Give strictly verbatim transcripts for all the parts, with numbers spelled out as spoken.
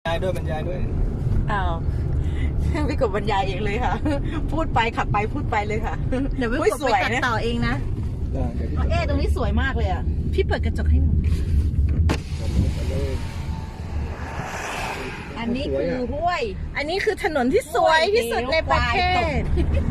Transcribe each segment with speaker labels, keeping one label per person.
Speaker 1: ยายด้วยบรรยายด้วย
Speaker 2: อ้าวพี่กบบรรยายเองเลยค่ะ พูดไปขับไปพูดไปเลยค่ะ
Speaker 3: เดี๋ยวพี่
Speaker 2: อุ๊ย
Speaker 3: กบ
Speaker 2: ส
Speaker 3: ไป
Speaker 2: วย
Speaker 3: ตัด
Speaker 2: นะ
Speaker 3: ต่อเองนะ
Speaker 1: ได้เดี๋ยวพี่
Speaker 2: เอ๊ะตรงนี้สวยมากเลยอ่ะ
Speaker 3: พี่เปิดกระจกให้หนู
Speaker 1: จะเลย
Speaker 2: อันนี้คือห้วย
Speaker 3: อันนี้คือถนนที่สวยที่สุดในประเทศ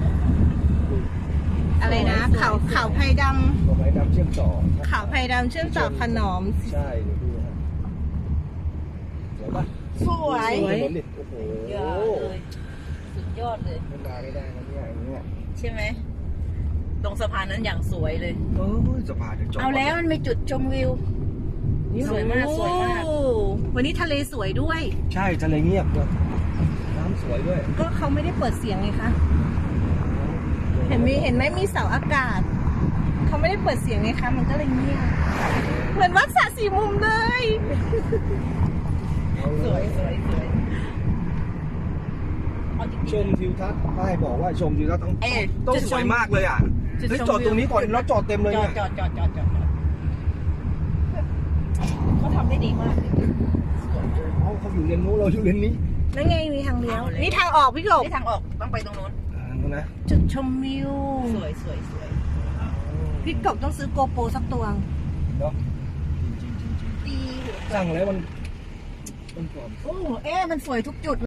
Speaker 3: อะไรนะเขาเขาไผ่ด
Speaker 1: ดอกไม้ดำเชื่อมต่อ
Speaker 3: ำเขาไผ่ดำเชื่อมต่อขนอม
Speaker 1: ใช่เดี๋ยวดูฮะสวยปะ
Speaker 2: สวย
Speaker 1: ถนนดิโอ้โห
Speaker 2: ยอดเลยสุดยอดเลย
Speaker 1: ไม่มาไม่ได้นะเนี่ยอย่างเงี้ย
Speaker 2: ใช่ไหมตรงสะพานนั้นอย่างสวยเลย
Speaker 1: โอ้ยสะพานจะจบ
Speaker 2: เอาแล้วมันมีจุดชมวิวสวยมากสวยมาก
Speaker 3: โอ้วันนี้ทะเลสวยด้วย
Speaker 1: ใช่ทะเลเงียบด้วยน้ำสวยด้วย
Speaker 3: ก็เขาไม่ได้เปิดเสียงไงคะ เห็นมีเห็นไหมมีเสาอากาศ เขาไม่ได้เปิดเสียงไงคะ มันก็เลยเงียบ เหมือนวัดสระสี่มุมเลย
Speaker 1: เอาเล
Speaker 2: สวยสวยสวยเอาจริง
Speaker 1: ชมทิวทัศน์ป้ายบอกว่าชมทิวทัศน์ต้อง
Speaker 2: ๆเอ๊ะ
Speaker 1: ต้อง
Speaker 2: จุด
Speaker 1: ส
Speaker 2: ช
Speaker 1: วย
Speaker 2: ม
Speaker 1: มากเลยอ่ะ
Speaker 2: จุด
Speaker 1: เฮ้ย
Speaker 2: ชม
Speaker 1: จอดตรงนี้ก่อน
Speaker 2: วิว
Speaker 1: แล้วจอดเต็มเลย
Speaker 2: จอ
Speaker 1: เนี่
Speaker 2: ด
Speaker 1: ย
Speaker 2: จอดจอดจอดจอดจอดเขาทำได้ดีมากเลยสวยมาก
Speaker 1: เขาเขาอยู่เลนนู้นเราอยู่เลนนี้
Speaker 3: นั่นไงมีทางเลี้ยว
Speaker 2: เอาเลย
Speaker 3: นี่ทางออกพี่กบ
Speaker 2: ที่ทางออกต้องไปตรงนู้น
Speaker 1: อ่านู้นนะ
Speaker 3: จุดชมวิว
Speaker 2: สวยสวยสวย
Speaker 3: พี่กบต้องซื้อโกโปรสักตัว
Speaker 1: เนาะจริงๆจริง
Speaker 3: ดี
Speaker 1: ๆสั่งแล้วมันมันกรอบ
Speaker 3: โอ้เอ๊ะมันสวยทุกจุด